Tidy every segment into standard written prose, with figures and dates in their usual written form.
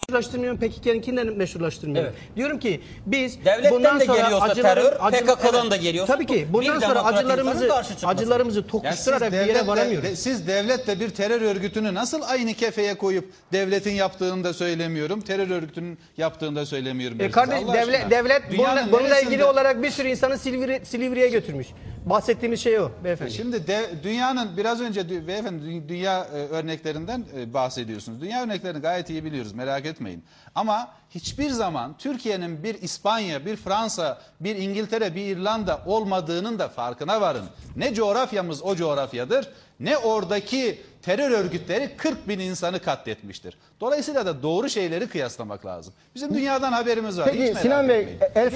meşrulaştırmıyorum, PKK'ninkinden meşrulaştırmıyorum. Evet. Diyorum ki biz Devletten bundan de sonra geliyorsa terör, PKK'dan da geliyorsa tabii ki bundan bir sonra demokrat insanın karşı çıkması. acılarımızı tokuşturarak bir yere varamıyoruz. Siz devletle bir terör örgütünü nasıl aynı kefeye koyup devletin yaptığını da söylemiyorum, terör örgütünün yaptığını da söylemiyorum. Kardeş devlet bununla ilgili olarak bir sürü insanı Silivri'ye götürmüş. Bahsettiğimiz şey o beyefendi. Şimdi dünyanın biraz önce beyefendi dünya örneklerinden bahsediyorsunuz. Dünya örneklerini gayet iyi biliyoruz, merak etmeyin. Ama hiçbir zaman Türkiye'nin bir İspanya, bir Fransa, bir İngiltere, bir İrlanda olmadığının da farkına varın. Ne coğrafyamız o coğrafyadır, ne oradaki terör örgütleri 40 bin insanı katletmiştir. Dolayısıyla da doğru şeyleri kıyaslamak lazım. Bizim dünyadan haberimiz var. Peki Sinan Bey, El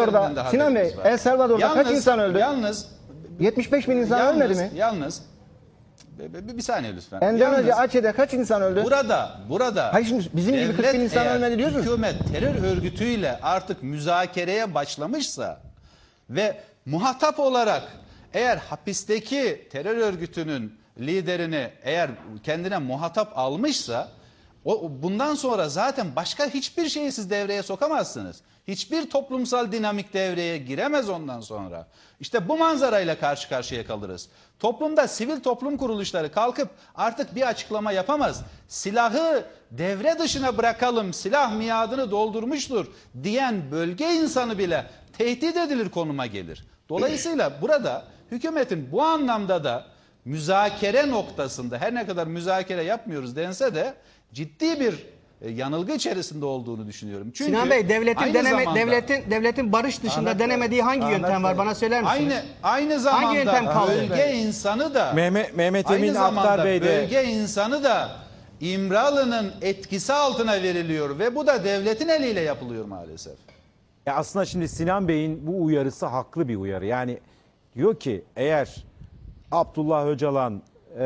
Salvador'da kaç insan öldü? Yalnız 75 bin insan ölmedi mi? Yalnız bir saniye lütfen. Endonezya, Aceh'de kaç insan öldü? Burada Hayır, şimdi bizim gibi 40 bin insan ölmedi diyorsunuz. Hükümet terör örgütüyle artık müzakereye başlamışsa ve muhatap olarak eğer hapisteki terör örgütünün liderini eğer kendine muhatap almışsa bundan sonra zaten başka hiçbir şeyi siz devreye sokamazsınız. Hiçbir toplumsal dinamik devreye giremez ondan sonra. İşte bu manzarayla karşı karşıya kalırız. Toplumda sivil toplum kuruluşları kalkıp artık bir açıklama yapamaz. Silahı devre dışına bırakalım, silah miadını doldurmuştur diyen bölge insanı bile tehdit edilir konuma gelir. Dolayısıyla burada hükümetin bu anlamda da müzakere noktasında her ne kadar müzakere yapmıyoruz dense de ciddi bir yanılgı içerisinde olduğunu düşünüyorum. Çünkü Sinan Bey, devletin barış dışında denemediği hangi yöntem var bana söyler misiniz? Aynı zamanda hangi yöntem kaldı? bölge insanı da Mehmet Emin Aktar Bey de bölge insanı da İmralı'nın etkisi altına veriliyor ve bu da devletin eliyle yapılıyor maalesef. aslında şimdi Sinan Bey'in bu uyarısı haklı bir uyarı. Yani diyor ki eğer Abdullah Öcalan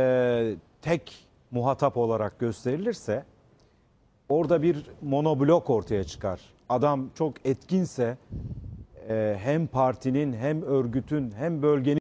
tek muhatap olarak gösterilirse orada bir monoblok ortaya çıkar. Adam çok etkinse hem partinin hem örgütün hem bölgenin